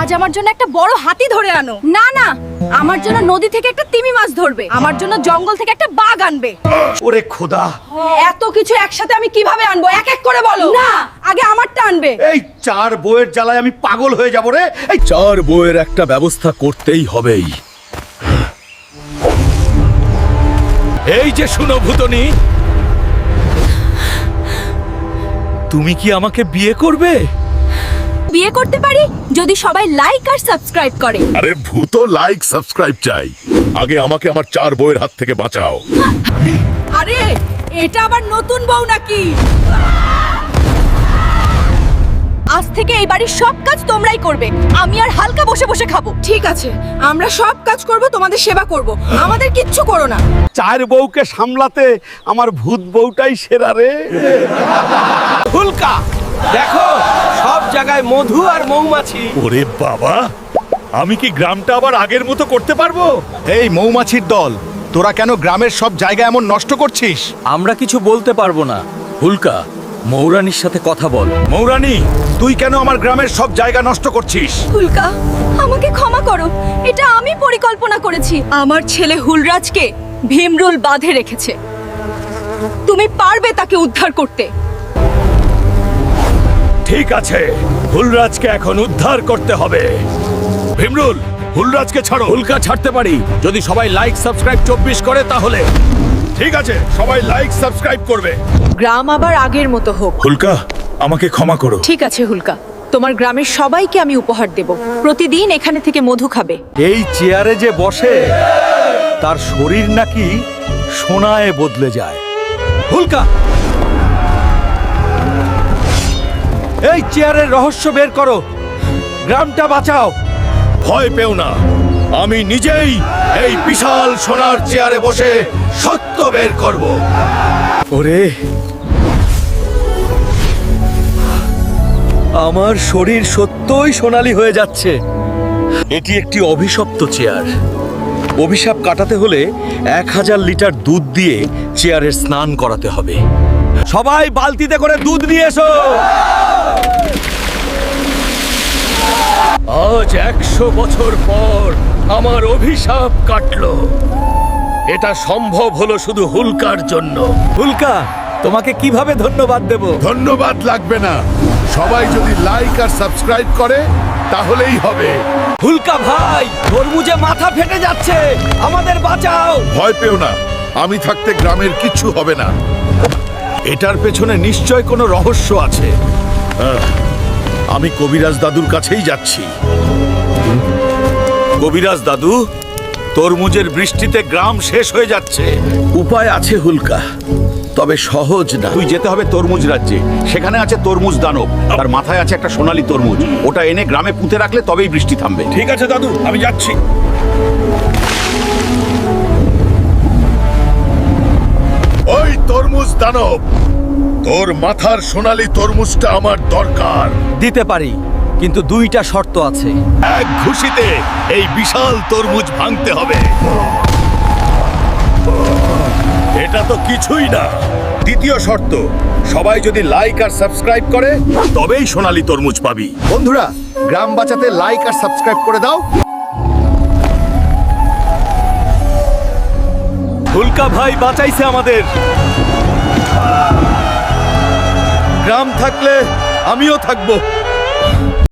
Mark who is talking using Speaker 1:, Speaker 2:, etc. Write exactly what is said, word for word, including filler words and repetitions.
Speaker 1: আমার জন্য একটা বড় হাতি ধরে আনো। না না, আমার জন্য নদী থেকে একটা তিমি মাছ ধরবে। আমার জন্য জঙ্গল থেকে একটা বাঘ আনবে।
Speaker 2: ওরে খোদা,
Speaker 1: এত কিছু একসাথে আমি কিভাবে আনবো? এক এক করে বলো। না, আগে আমারটা আনবে।
Speaker 2: এই চার বউয়ের জ্বালায় আমি পাগল হয়ে যাব রে। এই
Speaker 3: চার বউয়ের একটা ব্যবস্থা করতেই হবেই। এই যে শুনো ভূতনি, তুমি কি আমাকে বিয়ে করবে?
Speaker 1: বিয়ে করতে পারি যদি সবাই লাইক আর সাবস্ক্রাইব করে।
Speaker 4: আরে ভূত লাইক সাবস্ক্রাইব চাই, আগে আমাকে আমার চার বউয়ের হাত থেকে বাঁচাও।
Speaker 1: আরে এটা আবার নতুন বউ নাকি? আজ থেকে এই বাড়ির সব কাজ তোমরাই করবে, আমি আর হালকা বসে বসে খাবো। ঠিক আছে, আমরা সব কাজ করব, তোমাদের সেবা করব, আমাদের কিচ্ছু করো না।
Speaker 2: চার বউকে সামলাতে আমার ভূত বউটাই সেরা রে।
Speaker 3: হুলকা, দেখো সব জায়গায় মধু আর মৌমাছি।
Speaker 4: ওরে বাবা, আমি কি গ্রামটা আবার আগের মতো করতে পারবো?
Speaker 5: এই মৌমাছির দল, তোরা কেন গ্রামের সব জায়গা এমন নষ্ট করছিস?
Speaker 3: আমরা কিছু বলতে পারবো না। হুলকা, মৌরানির সাথে কথা বল।
Speaker 2: মৌরানী, তুই কেন আমার গ্রামের সব জায়গা নষ্ট করছিস?
Speaker 1: হুলকা, আমাকে ক্ষমা করো, এটা আমি পরিকল্পনা করেছি। আমার ছেলে হুলরাজকে ভীমরুল বাঁধে রেখেছে, তুমি পারবে তাকে উদ্ধার করতে।
Speaker 4: ঠিক আছে, হুলরাজকে এখন উদ্ধার করতে হবে। ভীমরুল, হুলরাজকে ছাড়ো।
Speaker 3: হুলকা ছাড়তে পারি যদি সবাই লাইক সাবস্ক্রাইব চব্বিশ করে, তাহলে
Speaker 4: ঠিক আছে, সবাই লাইক সাবস্ক্রাইব করবে।
Speaker 1: গ্রাম আবার আগের মতো হোক।
Speaker 4: হুলকা, আমাকে ক্ষমা করো।
Speaker 1: ঠিক আছে হুলকা, তোমার গ্রামের সবাইকে আমি উপহার দেব, প্রতিদিন এখানে থেকে মধু খাবে।
Speaker 3: এই চেয়ারে যে বসে তার শরীর নাকি সোনায় বদলে যায়। হুলকা, এই চেয়ারের রহস্য বের করো, গ্রামটা বাঁচাও।
Speaker 4: ভয় পেও না, আমি নিজেই এই বিশাল সোনার চেয়ারে বসে সত্য বের করব।
Speaker 3: ওরে, আমার শরীর সত্যই সোনালী হয়ে যাচ্ছে। এটি একটি অভিশপ্ত চেয়ার। অভিশাপ কাটাতে হলে এক হাজার লিটার দুধ দিয়ে চেয়ারের স্নান করাতে হবে। সবাই বালতিতে করে দুধ নিয়ে এসো।
Speaker 4: আজ একশো বছর পর আমার অভিশাপ কাটলো। এটা সম্ভব হলো শুধু হুলকার জন্য।
Speaker 3: হুলকা, তোমাকে কিভাবে ধন্যবাদ দেব?
Speaker 4: ধন্যবাদ লাগবে না, সবাই যদি লাইক আর সাবস্ক্রাইব করে তাহলেই হবে।
Speaker 3: হুলকা ভাই, তরমুজে মাথা ফেটে যাচ্ছে, আমাদের বাঁচাও।
Speaker 4: ভয় পেও না, আমি থাকতে গ্রামের কিচ্ছু হবে না।
Speaker 2: এটার পেছনে নিশ্চয় কোনো রহস্য আছে।
Speaker 4: আহ, আমি কবিরাজ দাদুর কাছেই যাচ্ছি।
Speaker 2: কবিরাজ দাদু, তরমুজের বৃষ্টিতে গ্রাম শেষ হয়ে যাচ্ছে।
Speaker 3: উপায় আছে হুলকা, তবে সহজ না।
Speaker 2: তুই যেতে হবে তরমুজ রাজ্যে, সেখানে আছে তরমুজ দানব, তার মাথায় আছে একটা সোনালী তরমুজ। ওটা এনে গ্রামে পুঁতে রাখলে তবেই বৃষ্টি থামবে।
Speaker 4: ঠিক আছে দাদু, আমি যাচ্ছি। ওই তরমুজ দানব, তোর মাথার সোনালী তরমুজটা আমার দরকার।
Speaker 3: দিতে পারি, কিন্তু দুইটা শর্ত আছে।
Speaker 4: এক ঘুষিতে এই বিশাল তরমুজ ভাঙতে হবে। এটা তো কিছুই না। দ্বিতীয় শর্ত, সবাই যদি লাইক আর সাবস্ক্রাইব করে তবেই সোনালী তরমুজ পাবি।
Speaker 5: বন্ধুরা, গ্রাম বাঁচাতে লাইক আর সাবস্ক্রাইব করে দাও।
Speaker 3: হুলকা ভাই বাঁচাইছে আমাদের। গ্রাম থাকলে আমিও থাকবো।